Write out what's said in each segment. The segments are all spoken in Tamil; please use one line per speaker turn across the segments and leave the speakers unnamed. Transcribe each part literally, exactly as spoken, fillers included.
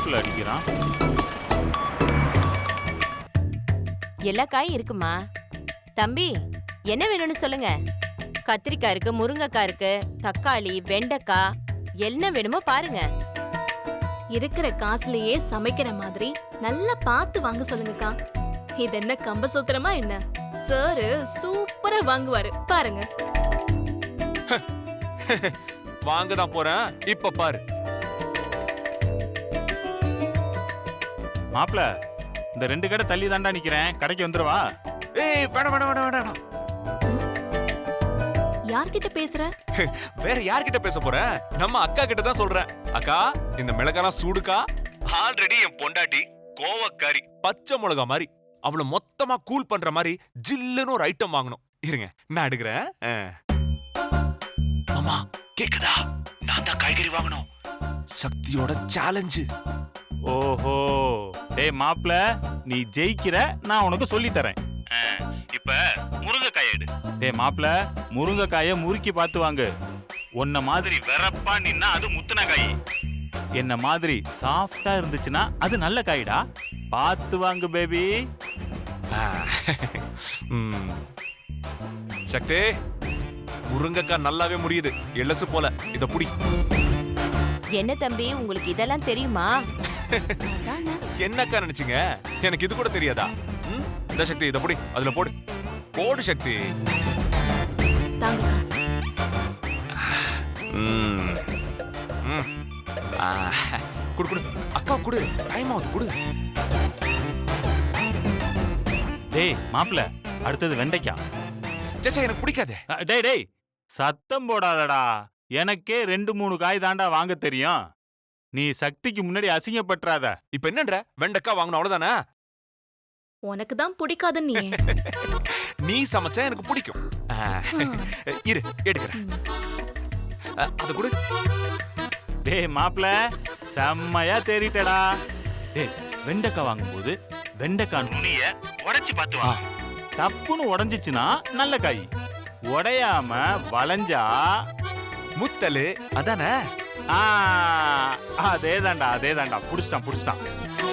மாப்பிள்ள அடிக்கிறான்.
எல்லா காயும் இருக்குமா? தம்பி என்ன வேணும்னு சொல்லுங்க. கத்திரிக்காய் இருக்கு, முருங்கைக்காய் இருக்கு, தக்காளி, வெண்டைக்காய், என்ன வேணுமோ பாருங்க.
இருக்கிற காசுலயே சமைக்கிற மாதிரி நல்லா பார்த்து வாங்க சொல்லுங்கக்கா. இது என்ன கம்ப சூத்திரமா என்ன? சார் சூப்பரா வாங்குவாரு பாருங்க.
வாங்க தான் போறேன், இப்ப பாரு.
மாப்பிள்ள இந்த ரெண்டு கடை தள்ளி தாண்டா நிக்கிறேன், கடைக்கு வந்துருவா.
ஏய் வேணாம் வேணாம் வேணாம் வேணாம்.
யார்கிட்ட பேசுற?
வேற யார்கிட்ட பேச போறேன்? நம்ம அக்கா கிட்ட தான் சொல்றேன். அக்கா, இந்த மிளகாலாம் சூடுக்கா. ஆல்ரெடி என் பொண்டாட்டி கோவக்காரி, பச்சை மிளகா மாதிரி. அவளை மொத்தமா கூல் பண்ற மாதிரி ஜில்லுன்னு ஒரு ஐட்டம் வாங்கணும். இருங்க நான் எடுக்கிறேன். அம்மா கேக்குதா? நான் தான் காய்கறி வாங்கணும். சக்தியோட சேலஞ்சு.
ஓஹோ, டேய் மாப்பிள்ள நீ ஜெயிக்கிற, நான் உனக்கு சொல்லி தரேன். இப்ப முருங்கைக்காய் எடு. டேய் மாப்பிள்ள முருங்கைக்காய முறுக்கி பார்த்து வாங்கு. உன்ன மாதிரி வெறப்பா நின்னா அது முத்துன காய், என்ன மாதிரி சாஃப்டா இருந்துச்சுன்னா அது நல்ல காய்டா. பார்த்து வாங்கு பேபி.
சக்தி, முருங்கைக்காய் நல்லாவே முடியுது, எள்ளசு போல. இத புடி.
என்ன தம்பி உங்களுக்கு இதெல்லாம் தெரியுமா?
என்னக்கா நினைச்சீங்க? எனக்கு இது கூட தெரியாதா? இந்த சக்தி இத புடி, அதுல போடு போடு சக்தி.
தாங்கக்கா.
ம் ம் குடு குடு அக்கா குடு, டைம் ஆகுது குடு.
டேய் மாப்பிள்ள அடுத்தது வெண்டைக்காய்.
சேச்சா எனக்கு பிடிக்காதே.
டேய் டேய் சத்தம் போடாதடா, எனக்கே ரெண்டு மூணு காய் தாண்டா வாங்க தெரியும். நீ சக்திக்கு முன்னாடி அசிங்கப்பட்டுறாத.
இப்ப என்னன்ற? வெண்டைக்காய் வாங்கணும் அவ்வளவுதானே?
உனக்கு தான் பிடிக்காது நீ.
நீ சமைச்சா எனக்கு பிடிக்கும். இரு எடுக்கிறேன். அது கூட.
டேய் மாப்பிள்ள செம்மையா தேறிட்டடா. டேய் வெண்டைக்காய் வாங்கும்போது வெண்டைக்காய் நுனிய உடைச்சு பார்த்து வா. தப்புன்னு உடைஞ்சிச்சுன்னா நல்ல காய், உடையாம வளைஞ்சா
முத்தலு. அதானே?
அதே தாண்டா அதே தாண்டா. புடிச்சிட்டான் புடிச்சிட்டான்.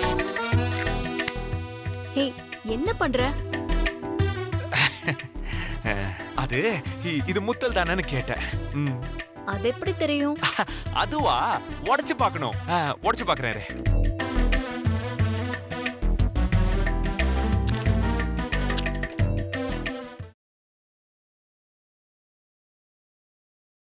ஹே என்ன பண்ற?
அது இது முத்தல் தானேன்னு கேட்டேன்.
அது எப்படி தெரியும்?
அதுவா, உடைச்சு பார்க்கணும். உடைச்சு பார்க்கறேன்.